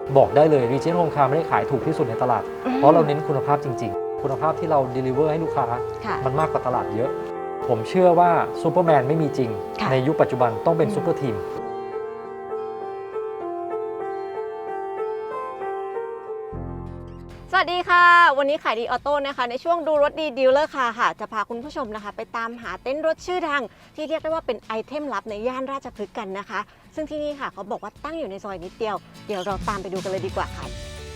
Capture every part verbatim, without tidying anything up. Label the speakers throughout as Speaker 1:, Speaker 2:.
Speaker 1: บอกได้เลย Regent Home Car ไม่ได้ขายถูกที่สุดในตลาดเพราะเราเน้นคุณภาพจริงๆคุณภาพที่เรา deliver ให้ลูกค้ามันมากกว่าตลาดเยอะผมเชื่อว่าซูเปอร์แมนไม่มีจริงในยุคปัจจุบันต้องเป็นซูเปอร์ทีม
Speaker 2: สวัสดีค่ะวันนี้ขายดีออโต้นะคะในช่วงดูรถดีดีลเลอร์ค่ะค่ะจะพาคุณผู้ชมนะคะไปตามหาเต็นท์รถชื่อดังที่เรียกได้ว่าเป็นไอเทมลับในย่านราชพฤกษ์กันนะคะซึ่งที่นี่ค่ะเขาบอกว่าตั้งอยู่ในซอยนิดเดียวเดี๋ยวเราตามไปดูกันเลยดีกว่าค่ะ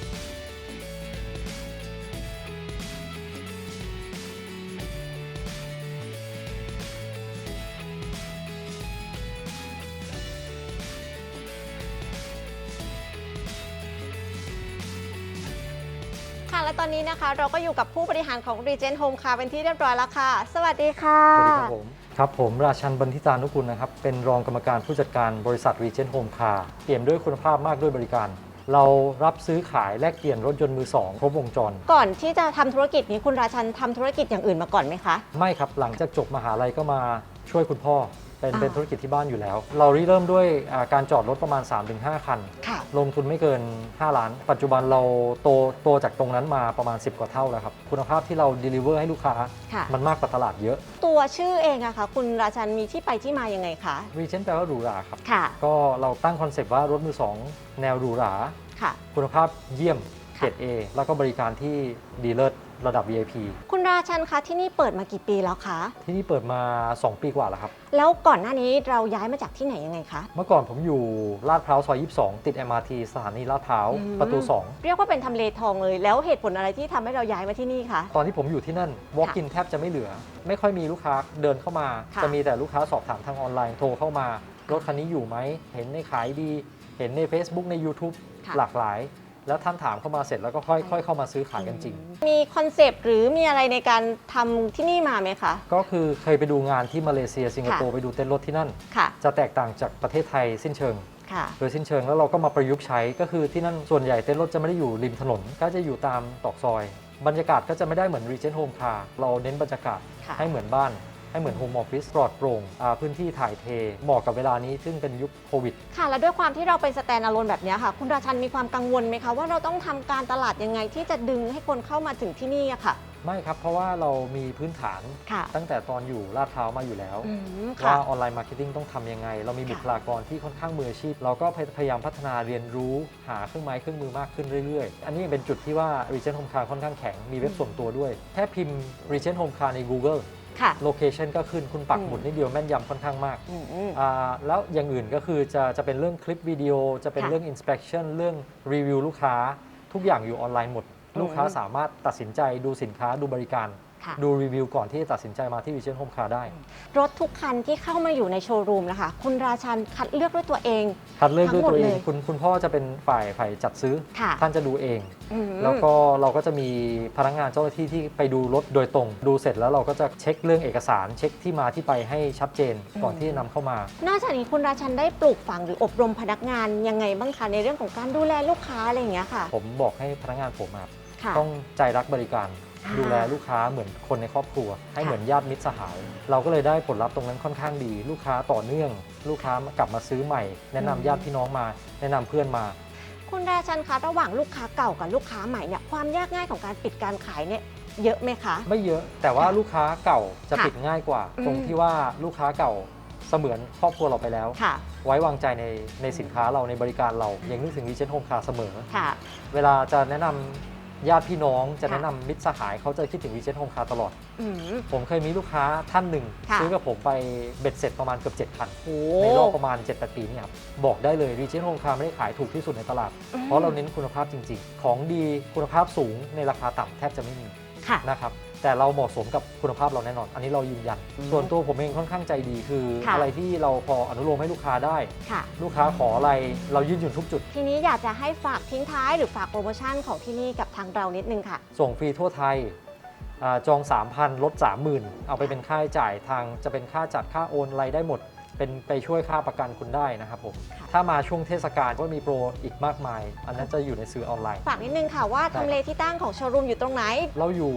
Speaker 2: ค่ะและตอนนี้นะคะเราก็อยู่กับผู้บริหารของ Regent Home Car เป็นที่เรียบร้อยแล้วค่ะสวัสดีค่ะ
Speaker 1: สวัสดีครับผมครับผมราชันบรรทิตานุกุลนะครับเป็นรองกรรมการผู้จัดการบริษัท Regent Home Car เปี่ยมด้วยคุณภาพมากด้วยบริการเรารับซื้อขายแลกเปลี่ยนรถยนต์มือสองครบวงจร
Speaker 2: ก่อนที่จะทำธุรกิจนี้คุณราชันทำธุรกิจอย่างอื่นมาก่อนไหมคะ
Speaker 1: ไม่ครับหลังจากจบมหาลัยก็มาช่วยคุณพ่อเป็นเป็นธุรกิจที่บ้านอยู่แล้วเราเริ่มด้วยการจอดรถประมาณ สามถึงห้า คันลงทุนไม่เกินห้าล้านปัจจุบันเราโตโตจากตรงนั้นมาประมาณสิบกว่าเท่าแล้วครับคุณภาพที่เรา deliver ให้ลูกค้ามันมากกว่าตลาดเยอะ
Speaker 2: ตัวชื่อเองอะคะคุณราชันมีที่ไปที่มายังไงคะ
Speaker 1: Regent แปลว่าหรูหราครับ
Speaker 2: ก็
Speaker 1: เราตั้งคอนเซปต์ว่ารถมือสองแนวหรูหราคุณภาพเยี่ยมเกรด A แล้วก็บริการที่ดีเลิศระดับ วี ไอ พี
Speaker 2: คุณราชันคะที่นี่เปิดมากี่ปีแล้วคะ
Speaker 1: ที่นี่เปิดมาสองปีกว่าแล้วครับ
Speaker 2: แล้วก่อนหน้านี้เราย้ายมาจากที่ไหนยังไงคะ
Speaker 1: เมื่อก่อนผมอยู่ลาดพร้าวซอยยี่สิบสองติด เอ็ม อาร์ ที สถานีลาดพร้าวประตูสอง
Speaker 2: เรียกว่าเป็นทำเลทองเลยแล้วเหตุผลอะไรที่ทำให้เราย้ายมาที่นี่คะ
Speaker 1: ตอนที่ผมอยู่ที่นั่น walk in แทบจะไม่เหลือไม่ค่อยมีลูกค้าเดินเข้ามาจะมีแต่ลูกค้าสอบถามทางออนไลน์โทรเข้ามารถคันนี้อยู่ไหมเห็นในขายดีเห็นใน Facebook ใน YouTube หลากหลายแล้วท่านถามเข้ามาเสร็จแล้วก็ค่อยๆเข้ามาซื้อขายกันจริง
Speaker 2: มีคอนเซปต์หรือมีอะไรในการทำที่นี่มาไหมคะ
Speaker 1: ก็คือเคยไปดูงานที่มาเลเซียสิงคโปร์ไปดูเต็นท์รถที่นั่นจะแตกต่างจากประเทศไทยสิ้นเชิงโดยสิ้นเชิงแล้วเราก็มาประยุกต์ใช้ก็คือที่นั่นส่วนใหญ่เต็นท์รถจะไม่ได้อยู่ริมถนนก็จะอยู่ตามตอกซอยบรรยากาศก็จะไม่ได้เหมือน Regent Home Car เราเน้นบรรยากาศให้เหมือนบ้านให้เหมือนโฮมออฟฟิศปลอดโปร่งพื้นที่ถ่ายเทเหมาะกับเวลานี้ซึ่งเป็นยุคโควิด
Speaker 2: ค่ะและด้วยความที่เราเป็นสแตนด์อะโลนแบบนี้ค่ะคุณราชันมีความกังวลไหมคะว่าเราต้องทำการตลาดยังไงที่จะดึงให้คนเข้ามาถึงที่นี่อะค่ะ
Speaker 1: ไม่ครับเพราะว่าเรามีพื้นฐานตั้งแต่ตอนอยู่ลาดพร้าวมาอยู่แล้วว่าออนไลน์มาร์เก็ตติ้งต้องทำยังไงเรามีบุคลากรที่ค่อนข้างมืออาชีพเราก็พยายามพัฒนาเรียนรู้หาเครื่องไม้เครื่องมือมากขึ้นเรื่อยๆอันนี้เป็นจุดที่ว่า Regent Home Car ค่อนข้างแข็งมีเว็บส่วนตัวด้วยแค่พิมพ์ Regent Home Car ใน Googleโลเคชันก็ขึ้นคุณปักหมุดนิดเดียวแม่นยำค่อนข้างมากแล้วอย่างอื่นก็คือจะจะเป็นเรื่องคลิปวิดีโอจะเป็นเรื่อง inspection เรื่องรีวิวลูกค้าทุกอย่างอยู่ออนไลน์หมดลูกค้าสามารถตัดสินใจดูสินค้าดูบริการดูรีวิวก่อนที่จะตัดสินใจมาที่ Regent Home Car ได้
Speaker 2: รถทุกคันที่เข้ามาอยู่ในโชว์รูมนะคะคุณราชันคัดเลือกด้วยตัวเอง
Speaker 1: คัดเลือกด้วยตัวเองคุณคุณพ่อจะเป็นฝ่ายฝ่ายจัดซื้อท่านจะดูเองแล้วก็เราก็จะมีพนักงานเจ้าหน้าที่ที่ไปดูรถโดยตรงดูเสร็จแล้วเราก็จะเช็คเรื่องเอกสารเช็คที่มาที่ไปให้ชัดเจนก่อนที่จะนำเข้ามาน
Speaker 2: อกจากนี้คุณราชันได้ปลูกฝังหรืออบรมพนักงานยังไงบ้างคะในเรื่องของการดูแลลูกค้าอะไรอย่างเงี้ยค่ะ
Speaker 1: ผมบอกให้พนักงานผมต้องใจรักบริการดูแลลูกค้าเหมือนคนในครอบครัวให้เหมือนญาติมิตรสหายเราก็เลยได้ผลลัพธ์ตรงนั้นค่อนข้างดีลูกค้าต่อเนื่องลูกค้ากลับมาซื้อใหม่แนะนำญาติพี่น้องมาแนะนำเพื่อนมา
Speaker 2: คุณราชันคะระหว่างลูกค้าเก่ากับลูกค้าใหม่เนี่ยความยากง่ายของการปิดการขายเนี่ยเยอะไหมคะ
Speaker 1: ไม่เยอะแต่ว่าลูกค้าเก่าจะปิดง่ายกว่าตรงที่ว่าลูกค้าเก่าเสมือนครอบครัวเราไปแล้วไว้วางใจในในสินค้าเราในบริการเรายังนึกถึง Regent Home Car เสมอเวลาจะแนะนำญาติพี่น้องจะแนะนำมิตรสหายเขาจะคิดถึง Regent Home Car ตลอดผมเคยมีลูกค้าท่านหนึ่งซื้อกับผมไปเบ็ดเสร็จประมาณเกือบเจ็ดคันในรอบประมาณ เจ็ดแปด ปีนี่ครับบอกได้เลย Regent Home Car ไม่ได้ขายถูกที่สุดในตลาดเพราะเราเน้นคุณภาพจริงๆของดีคุณภาพสูงในราคาต่ำแทบจะไม่มีนะครับแต่เราเหมาะสมกับคุณภาพเราแน่นอนอันนี้เรายืนยันส่วนตัวผมเองค่อนข้างใจดีคืออะไรที่เราพออนุโลมให้ลูกค้าได้ลูกค้าขออะไรเรายืนหยุ่นทุกจุด
Speaker 2: ทีนี้อยากจะให้ฝากทิ้งท้ายหรือฝากโปรโมชั่นของที่นี่กับทางเรานิดนึงค่ะ
Speaker 1: ส่งฟรีทั่วไทยจอง สามพัน ลด สามหมื่น เอาไปเป็นค่าใช้จ่ายทางจะเป็นค่าจัดค่าโอนอะไรได้หมดเป็นไปช่วยค่าประกันคุณได้นะครับผมถ้ามาช่วงเทศกาลก็มีโปรอีกมากมายอันนั้นจะอยู่ในสื่อออนไลน์
Speaker 2: ฝากนิดนึงค่ะว่าทำเลที่ตั้งของโชว์รูมอยู่ตรงไหน
Speaker 1: เราอยู่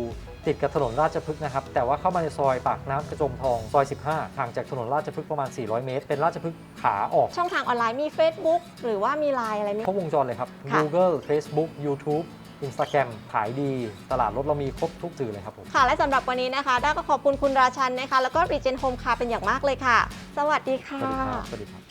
Speaker 1: ติดกับถนนราชพฤกษ์นะครับแต่ว่าเข้ามาในซอยปากน้ำกระจมทองซอยสิบห้าห่างจากถนนราชพฤกษ์ประมาณสี่ร้อยเมตรเป็นราชพฤกษ์ขาออก
Speaker 2: ช่องทางออนไลน์มี Facebook หรือว่ามี ไลน์ อะไรไหม
Speaker 1: ครบวงจรเลยครับ
Speaker 2: ค่ะ
Speaker 1: Google Facebook YouTube Instagram ขายดีตลาดรถเรามีครบทุกสื่อเลยครับผม
Speaker 2: ค่ะและสำหรับวันนี้นะคะด้าก็ขอบคุณคุณราชันนะคะแล้วก็ Regen Home Car เป็นอย่างมากเลยค่ะ สวัสดีค่ะ
Speaker 1: สวัสดีครับสวัสดีครับ